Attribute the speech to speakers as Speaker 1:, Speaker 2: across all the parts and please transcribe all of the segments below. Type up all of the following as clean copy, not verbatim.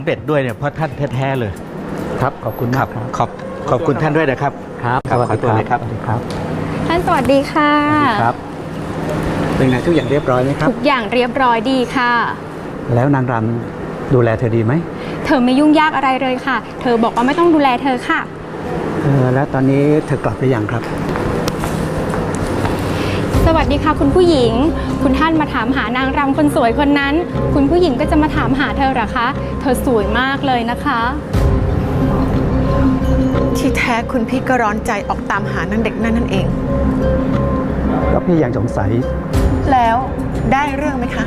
Speaker 1: เป็ดด้วยเนี่ยเพราะท่านแท้ๆเลย
Speaker 2: ครับขอบคุณ
Speaker 1: ค
Speaker 2: มา
Speaker 1: รั
Speaker 2: ก
Speaker 1: บ
Speaker 2: ครับ
Speaker 1: ขอบคุณท่านด้วยนะครับ
Speaker 2: ครับ
Speaker 1: ครับ
Speaker 2: สวัสดี
Speaker 1: ขอตัวเลยครับ
Speaker 2: สวัสดีครับ
Speaker 3: ท่านสวัสดีค่ะ
Speaker 2: ครับเป็นไงทุกอย่างเรียบร้อยไหมครับ
Speaker 3: ทุกอย่างเรียบร้อยดีค่ะ
Speaker 2: แล้วนางรำดูแลเธอดีไหม
Speaker 3: เธอไม่ยุ่งยากอะไรเลยค่ะ เธอบอกว่าไม่ต้องดูแลเธอค่ะ
Speaker 2: แล้วตอนนี้เธอกลับหรือยังครับ
Speaker 3: สวัสดีค่ะคุณผู้หญิง คุณท่านมาถามหานางรำคนสวยคนนั้น คุณผู้หญิงก็จะมาถามหาเธอเหรอคะ เธอสวยมากเลยนะคะ
Speaker 4: ที่แท้คุณพี่ก็ร้อนใจออกตามหานางเด็กนั่นเอง
Speaker 2: ก็พี่ยังสงสัย
Speaker 4: แล้วได้เรื่องไหมคะ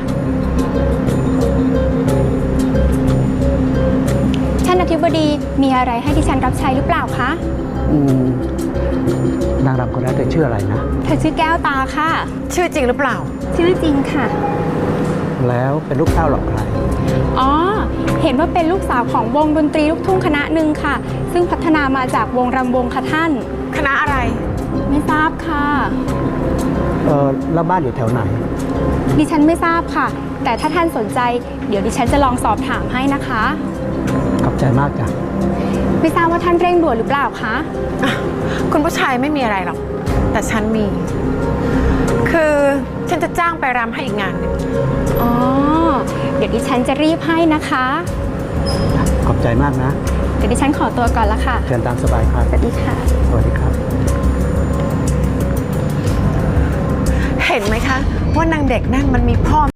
Speaker 3: ท่านอธิบดีมีอะไรให้ดิฉันรับใช้หรือเปล่าคะ
Speaker 2: อืมนางรำคนนั้นเธอชื่ออะไรนะ
Speaker 3: เธอชื่อแก้วตาค่ะ
Speaker 4: ชื่อจริงหรือเปล่า
Speaker 3: ชื่อจริงค่ะ
Speaker 2: แล้วเป็นลูกเต้าหรอกใคร
Speaker 3: อ๋อ เห็นว่าเป็นลูกสาวของวงดนตรีลูกทุ่งคณะหนึ่งค่ะ ซึ่งพัฒนามาจากวงรำวงค่ะท่าน
Speaker 4: คณะอะไร
Speaker 3: ไม่ทราบค่ะ
Speaker 2: แล้วบ้านอยู่แถวไหน
Speaker 3: ดิฉันไม่ทราบค่ะ แต่ถ้าท่านสนใจ เดี๋ยวดิฉันจะลองสอบถามให้นะคะ
Speaker 2: ขอบใจมากจ้ะ
Speaker 3: ไม่ทราบว่าท่านเร่งด่วนหรือเปล่าคะ
Speaker 4: คุณผู้ชายไม่มีอะไรหรอก แต่ฉันมี คือฉันจะจ้างไปรำให้อีกงานหนึ่ง
Speaker 3: อ๋อ เดี๋ยวดิฉันจะรีบให้นะคะ
Speaker 2: ขอบใจมากนะ
Speaker 3: เดี๋ยวดิฉันขอตัวก่อนละค่ะ
Speaker 2: เชิญตามสบายครับ
Speaker 3: สวัสดีค่ะ
Speaker 2: สวัสดีครับ
Speaker 4: เห็นไหมคะ ว่านางเด็กนั่นมันมีพ่อ